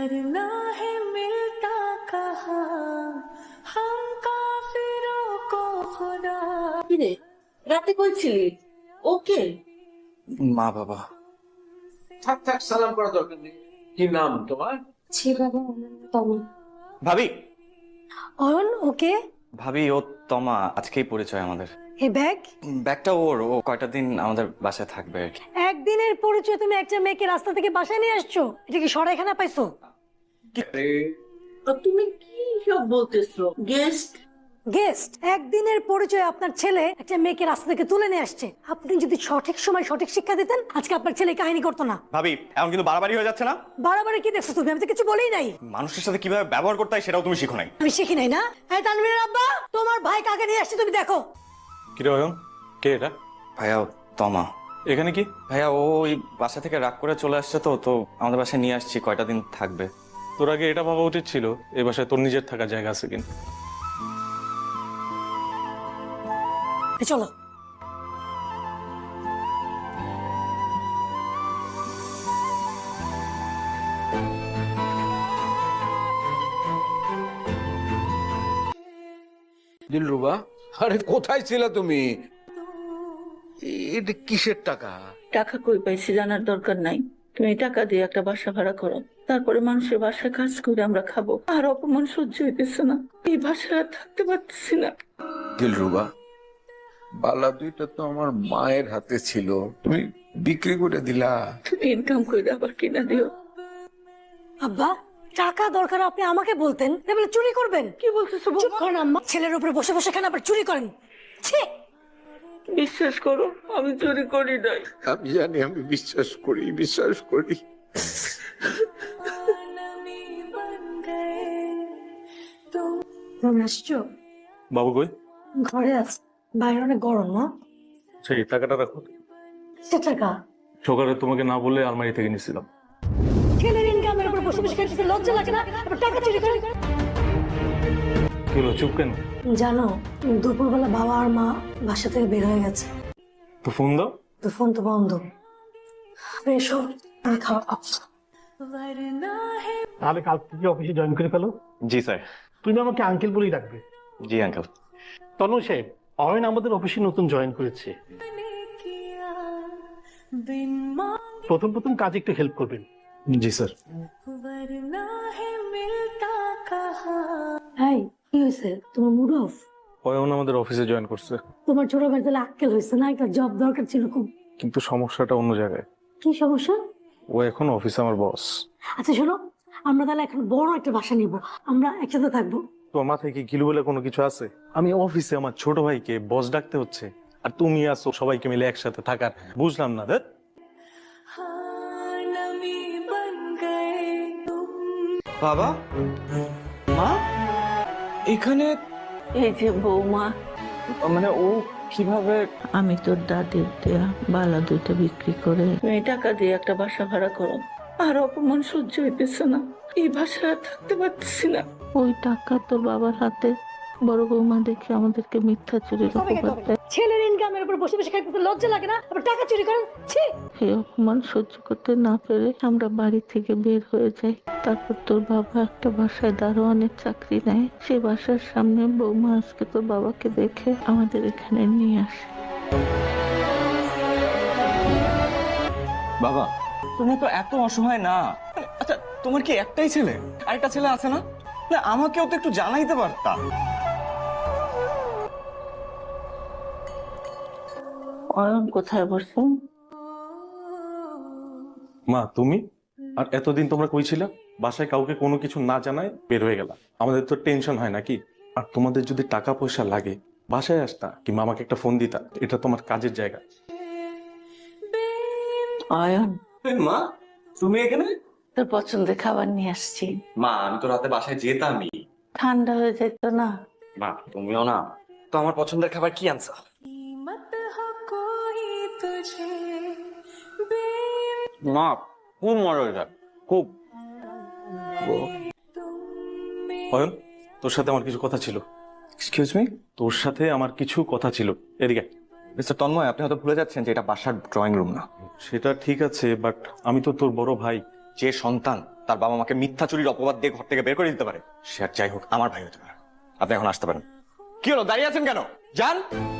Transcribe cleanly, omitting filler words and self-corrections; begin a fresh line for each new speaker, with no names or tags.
वरना है मिलता कहा हम काफिरों को खुदा।
কিরে রাতে কই ছিলি? ওকে
মা বাবা
থাক থাক, সালাম করা দরকার নেই। কি নাম তোমার?
ছি বাবা তমা।
ভাবি
অয়ন ওকে
ভাবি ও তমা, আজকেই পরিচয় আমাদের।
এই ব্যাগ
ব্যাগটা ওর, ও কয়টা দিন আমাদের বাসায় থাকবে আর কি।
একদিনের পরিচয় তুমি একটা মেয়েকে রাস্তা থেকে বাসায় নিয়ে আসছো? এটা কি সরাইখানা পাইছো?
তুমি কি সব বলতেছো? গেস্ট
গেস্ট একদিনের পরিচয় আপনার ছেলে একটা মেয়েকে রাস্তা থেকে তুলে নিয়ে আসছে। আপনি যদি সঠিক সময় সঠিক শিক্ষা দিতেন আজকে আপনার ছেলে এই কাহিনী করতো না।
ভাবি এখন কিন্তু বাড়াবাড়ি হয়ে যাচ্ছে না?
বাড়াবাড়ি কি দেখছো তুমি? আমি তো কিছু বলেই নাই।
মানুষের সাথে কিভাবে ব্যবহার করতে হয় সেটাও তুমি শিখো নাই।
আমি শিখি নাই না? এই তানভীরের আব্বা, তোমার ভাই কাকে নিয়ে আসছে তুমি দেখো।
কিরে অয়ন, কে এটা?
ভাইয়া ও তমা।
এখানে কি?
ভাইয়া ও ওই বাসা থেকে রাগ করে চলে আসছে, তো তো আমাদের বাসায় নিয়ে আসছি, কয়টা দিন থাকবে।
তোর আগে এটা ভাবা উচিত ছিল এই বাসায় তোর নিজের থাকার জায়গা আছে কিনা।
এই চলো।
দিলরুবা, আরে কোথায় ছিলে তুমি? এটা কিসের টাকা?
টাকা কই পাইছি জানার দরকার নাই। তুমি টাকা দিয়ে একটা বাসা ভাড়া করো, তারপরে মানুষের বাসায় কাজ করে আমরা খাবো। আর অপমান সহ্য হইতেছে না, এই বাসায় আর থাকতে পারতেছি না।
দিলরুবা, বালা দুইটা তো আমার মায়ের হাতে ছিল, তুমি বিক্রি করে দিলা।
তুমি ইনকাম করে আবার কিনা দিও।
আব্বা টাকা দরকার আপনি আমাকে বলতেন, এবারে চুরি করবেন?
কি বলতেছো
চুপ
বাবা?
করেন আম্মা, ছেলের উপরে বসে বসে কেন আবার চুরি করেন? ছি!
বিশ্বাস করো আমি চুরি করি নাই।
আমি জানি, আমি বিশ্বাস করি, বিশ্বাস করি।
नमी बन गए तुम।
তুমি আসছো?
বাবু কই?
ঘরে আছে, বাইরে অনেক গরম না?
সেই টাকাটা রাখো।
সে টাকা
সকালে তোমাকে না বলে আলমারি থেকে নিয়েছিলাম।
ছেলের ইনকামের উপর বসে বসে খেতে লজ্জা লাগে না? আবার টাকা চুরি করেন?
কি হলো, চুপ কেন?
জানো দুপুরবেলা বাবা আর মা বাসা থেকে বের হয়ে গেছে,
তো ফোন দাও।
তো ফোন তো বন্ধ। এসো আমি খাওয়া খাবো।
वरना है
তাহলে কাল থেকে অফিসে জয়েন করে ফেলো।
জি স্যার।
তুমি আমাকে আঙ্কেল বলেই ডাকবে।
জি আঙ্কেল।
তনু সাহেব, অয়ন আমাদের অফিসে নতুন জয়েন করেছে।
मैंने किया बिन मांगे,
প্রথম প্রথম কাজে একটু হেল্প করবেন।
জি স্যার।
वरना है मिलता कहा।
হাই, কি হয়েছে? তোমার মুড অফ?
অয়ন আমাদের অফিসে জয়েন করছে,
তোমার ছোট ভাই তাহলে আক্কেল হয়েছে না? একটা জব দরকার ছিল খুব।
কিন্তু সমস্যাটা অন্য জায়গায়।
কি সমস্যা?
ও এখন অফিসে আমার বস।
আচ্ছা শোনো, আমরা তাহলে এখন বড় একটা বাসা নিব, আমরা একসাথে থাকবো।
তোমার মাথায় কি গিলু বলে কোনো কিছু আছে? আমি অফিসে আমার ছোট ভাইকে বস ডাকতে হচ্ছে, আর তুমি আসো সবাইকে মিলে একসাথে থাকার। বুঝলাম না।
हाँ नमी बन गए तुम।
বাবা মা এখানে,
এই যে বৌমা,
মানে ও কিভাবে?
আমি তোর দাদির দেয়া বালা দুইটা বিক্রি করে তুমি টাকা দিয়ে একটা বাসা ভাড়া করো। আর অপমান সহ্য হইতেছে না, এই বাসায় আর থাকতে পারতেছি না। ওই টাকা তোর বাবার হাতে বড় বৌমা দেখে আমাদেরকে মিথ্যা চুরির অপবাদ দেয়।
ছেলের ইনকামের উপর বসে বসে খাইতে লজ্জা লাগে না? আবার টাকা চুরি করেন? ছি!
এই অপমান সহ্য করতে না পেরে আমরা বাড়ি থেকে বের হয়ে যাই। তারপর তোর বাবা একটা বাসায় দারোয়ানের চাকরি নেয়। সেই বাসার সামনে বৌমা আজকে তোর বাবাকে দেখে আমাদের এখানে নিয়ে আসে।
বাবা তুমি তো এত অসহায় না। আচ্ছা তোমার কি একটাই ছেলে? আরেকটা ছেলে আছে না? না আমাকেও তো একটু জানাইতে পারতা।
অয়ন কোথায় বসে?
মা তুমি আর এতদিন তোমরা কই ছিলা? বাসায় কাউকে কোনো কিছু না জানায় বের হয়ে গেলা। আমাদের তো টেনশন হয় নাকি? আর তোমাদের যদি টাকা পয়সা লাগে বাসায় আসতা, কিংবা আমাকে একটা ফোন দিতা। এটা তোমার কাজের জায়গা।
অয়ন,
মা তুমি এখানে?
তোর পছন্দের খাবার নিয়ে আসছি।
মা আমি তো রাতে বাসায় যেতামই।
ঠান্ডা হয়ে যেত না?
মা তুমিও না তো আমার পছন্দের খাবার কি আনছো?
कीमत हो कोई तुझे
মা খুব মজা হয়েছে, খুব।
অয়ন তোর সাথে আমার কিছু কথা ছিল।
Excuse me?
তোর সাথে আমার কিছু কথা ছিল। এদিকে।
মিস্টার তন্ময়, আপনি হয়তো ভুলে যাচ্ছেন যে এটা বাসার ড্রয়িং রুম না।
সেটা ঠিক আছে, বাট আমি তো তোর বড় ভাই।
যে সন্তান তার বাবা মাকে মিথ্যা চুরির অপবাদ দিয়ে ঘর থেকে বের করে দিতে পারে, সে আর যাই হোক আমার ভাই হতে পারে। আপনি এখন আসতে পারেন। কি হলো, দাঁড়িয়ে আছেন কেন? যান।